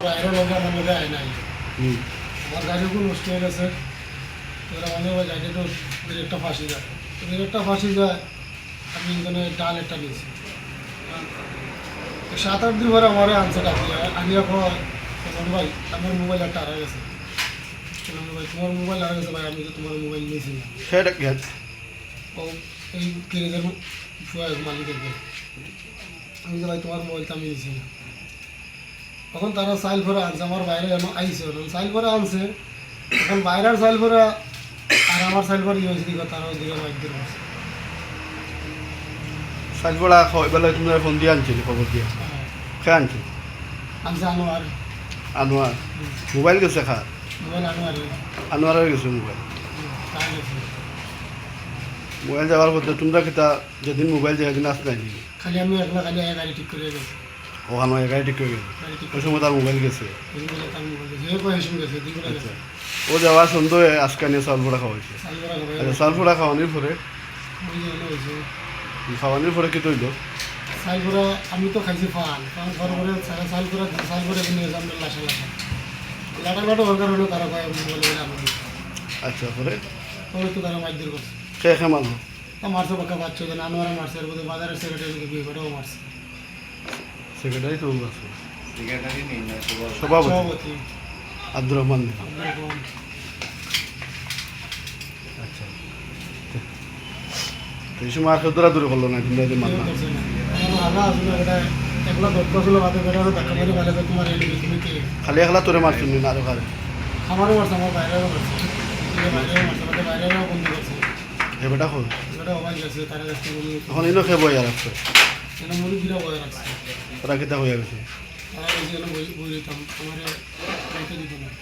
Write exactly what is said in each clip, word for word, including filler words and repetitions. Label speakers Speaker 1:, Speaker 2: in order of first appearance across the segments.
Speaker 1: বাইরে লগে আমার লগে আয় নাই আমার গাড়ি খুব নষ্ট হয়ে গেছে এবার আমাদের গাড়ি তো একটা ফাঁসি যায় একটা ফাঁসি যায় আমি এখানে ডাল একটা নিয়েছি সাত আট দিন পরে আমার আনছে ডাকি আনিয়া কয় ভাই আমার মোবাইল একটা হারা গেছে ভাই তোমার মোবাইল হারা গেছে ভাই আমি তো তোমার মোবাইল নিয়েছি না
Speaker 2: সেটা গেছে
Speaker 1: ও এই গ্যারেজের মালিকের আমি যে ভাই তোমার মোবাইলটা আমি নিয়েছি না তখন তারা সাইল ভরে আনছে আমার বাইরে আইসে সাইল ভরে আনছে এখন বাইরের সাইল ভরে আর আমার সাইল ভরে ইয়ে দিকে তারা ওইদিকে বাইক দিয়ে বসে
Speaker 2: সাজবড়া এবেলা তুমি ফোন দিয়ে আনছিলি খবর দিয়ে খে আনছি
Speaker 1: আনছে আনোয়ার
Speaker 2: আনোয়ার মোবাইল গেছে খা
Speaker 1: মোবাইল আনোয়ার
Speaker 2: আনোয়ারের গেছে মোবাইল
Speaker 1: তাই গেছে
Speaker 2: মোবাইল যাওয়ার পথে তোমরা কিতা যেদিন মোবাইল যে একদিন আসলে নি
Speaker 1: খালি আমি একলা খালি এক গাড়ি ঠিক করে গেছে
Speaker 2: ওখানে একাই ঠিক করে গেছে
Speaker 1: গাড়ি ঠিক
Speaker 2: ওই সময় তার মোবাইল গেছে
Speaker 1: করে তার মোবাইল গেছে এর পয়সা শুনে গেছে দিন করে গেছে
Speaker 2: ও যাওয়ার সন্দেহ আজকে নিয়ে চাল পোড়া খাওয়াইছে
Speaker 1: সাইল ভরা করে
Speaker 2: আচ্ছা চাল পোড়া খাওয়ানোর পরে
Speaker 1: ওই যে হলো হয়েছে
Speaker 2: খাওয়ানোর পরে কি তৈল
Speaker 1: সাইল ভরা আমি তো খাইছি ফান কারণ ঘর করে সারা সাইল ভরা সাইল ভরা নিয়ে যাম লাসা লাসা লাটা লাটা হওয়ার কারণে তারা কয় মোবাইল বলে আমার
Speaker 2: আচ্ছা পরে
Speaker 1: তবে তো তারা মাইক দিয়ে করছে
Speaker 2: সে খে মারলো
Speaker 1: তা মারছে পাক্কা বাচ্চা দেন আনোয়ারা মারছে এর মধ্যে বাজারের সেক্রেটারিকে বিয়ে করেও মারছে
Speaker 2: সেক্রেটারি তো আছে
Speaker 3: সেক্রেটারি নেই না সবার
Speaker 2: সভাপতি
Speaker 1: সভাপতি
Speaker 2: আব্দুর রহমান
Speaker 1: আব্দুল রহমান
Speaker 2: আচ্ছা তো এই সময় আর কেউ দৌড়াদৌড়ি করলো না তোমরা যে মারলাম
Speaker 1: করছে না আমার আগা আসলে এটা একলা দত্ত ছিল বাদে বেড়া ধাক্কা মারি ভালো তোমার এই লিখে তুমি কে
Speaker 2: খালি একলা তোরে মারছিল না আরো কারে
Speaker 1: আমারও মারছে আমার বাইরেও মারছে বাইরেও মারছে আমাদের বাইরেও বন্ধু করছে
Speaker 2: এ বেটা খোল
Speaker 1: এটা অবাক গেছে তারা কাছে বলি
Speaker 2: এখন ইনো খেয়ে বই আর আছে
Speaker 1: এটা মুড়ি গিরা বয়ে রাখছে
Speaker 2: ওরা কিতা হয়ে গেছে
Speaker 1: তারা এই যে বই বই দিতাম আমার বইতে দিত না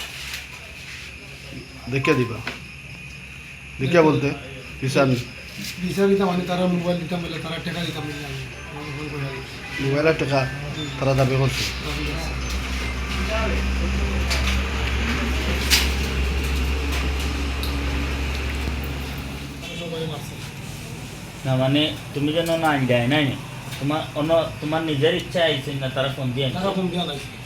Speaker 2: দেখিয়া দিবা দেখিয়া বলতে কিষান
Speaker 1: বিচার দিতাম আমি তারা মোবাইল দিতাম বলে তারা টাকা দিতাম বলে আমি আমার ফোন করে
Speaker 2: মোবাইলের টাকা তারা দাবি করছে
Speaker 1: সবাই মারছে
Speaker 4: না মানে তুমি যেন না দেয় নাই তোমার অন্য তোমার নিজের ইচ্ছা আইছে না তারা ফোন দিয়ে আনছে?
Speaker 1: টাকা ফোন দিয়া লাগছে